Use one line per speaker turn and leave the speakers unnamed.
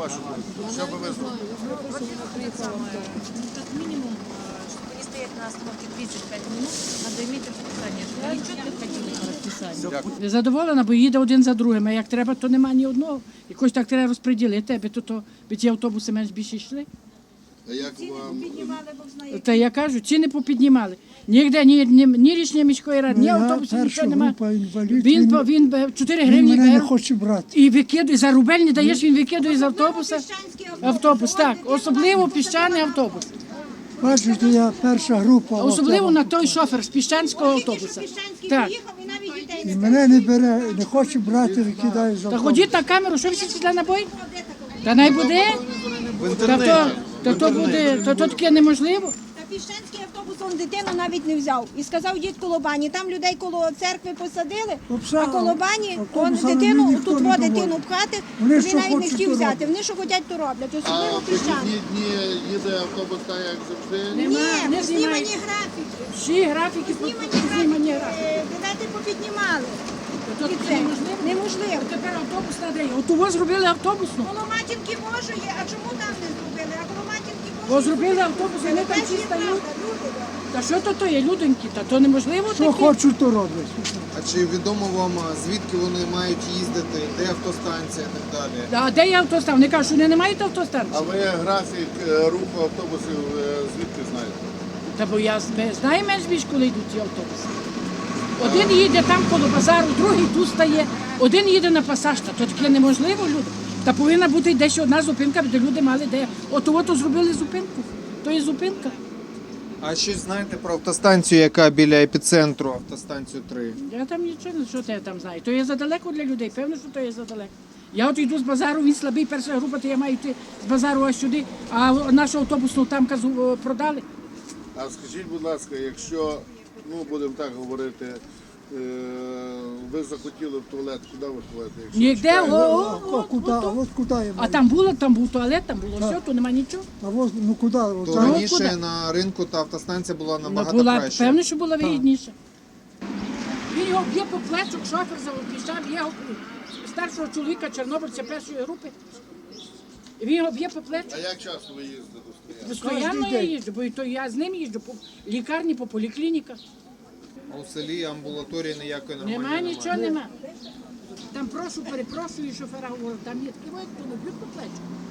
вашу думку? Що би ви зробили?
Как минимум, чтобы не стоять на остановке 35 минут, надо иметь расписание, чтобы они четко ходили по расписанию.
Задоволена, бо їде один за другим, а як треба, то нема ні одного. Якось так треба розподілити, аби ті автобуси менш більше йшли.
А як вам?
Та я кажу, ціни попіднімали. Ніде, ні рішення міської ради, ні автобусів, нічого немає. Він 4 гривні
мене не
бере
хоче брати.
і викидує, за рубель не даєш, він викидує з автобуса. Автобус, так, особливо піщаний автобус.
Бачите, я перша група.
Особливо на той шофер з піщанського автобуса. Так.
І мене не бере, не хоче брати, викидає з
Та
автобуса.
ходіть на камеру, що ви всі сюди набой? Та най буде. То буде, то таке неможливо.
Та Піщанський автобус он дитину навіть не взяв. І сказав, дід коло бані. Там людей коло церкви посадили, а коло бані он
автобусами
дитину,
ніхто
тут
не
дитину
доводить.
пхати,
Вони
він
що
навіть не
хочуть,
хотів
то
взяти.
роблять.
Вони що хочуть, то роблять.
А
Особливо
в
Піщани.
вихідні дні їде автобус так, як завжди?
Ні,
не
знімані
знімають.
графіки.
Всі графіки знімані графіки.
Видати, попіднімали.
То
І це неможливо.
Тепер автобус надає. От у вас зробили автобусну.
Коло Матінки може є, а чому там не зробили? А коло Матінки може.
Бо зробили автобус, вони там всі стають. Та що то є, людоньки? Та то неможливо
Що
таке.
хочуть, то роблять.
А чи відомо вам, звідки вони мають їздити, де автостанція і так далі?
А де є автостан? Вони кажуть, що вони не мають
А
автостанції.
ви графік руху автобусів звідки знаєте?
Та бо я знаю менш більш, коли йдуть ці автобуси. Один їде там коло базару, другий тут стає, один їде на пасаж. Та то таке неможливо, люди. Та повинна бути десь одна зупинка, де люди мали де. От зробили зупинку. То є зупинка.
А щось знаєте про автостанцію, яка біля епіцентру, автостанцію 3?
Я там нічого, що я там знаю. То є задалеко для людей, певно, що то є задалеко. Я от йду з базару, він слабий, перша група, то я маю йти з базару аж сюди, а нашу автобусну там продали.
А скажіть, будь ласка, якщо, будемо так говорити, ви захотіли в туалет, куди ви ходите? Якщо
Ніде,
чекаєте?
От куди я
А
маю?
там був туалет, там було все, то нема нічого.
А ось, ну куди? От
То
там.
раніше
куди?
на ринку та автостанція була набагато
Була,
краще.
певно, що була вигідніша. Він його б'є по плечу, шофер завпішав, є старшого чоловіка, чорнобильця першої групи. Він його б'є по плечу.
А як часто ви їздите до Стрия?
Постоянно я їжджу, бо то я з ним їжджу по лікарні, по поліклініках.
А у селі амбулаторії ніякої нормальної
Нема
немає.
нічого, нема. Там перепрошую, шофера говорю, там є такі, хто не б'ють по плечу.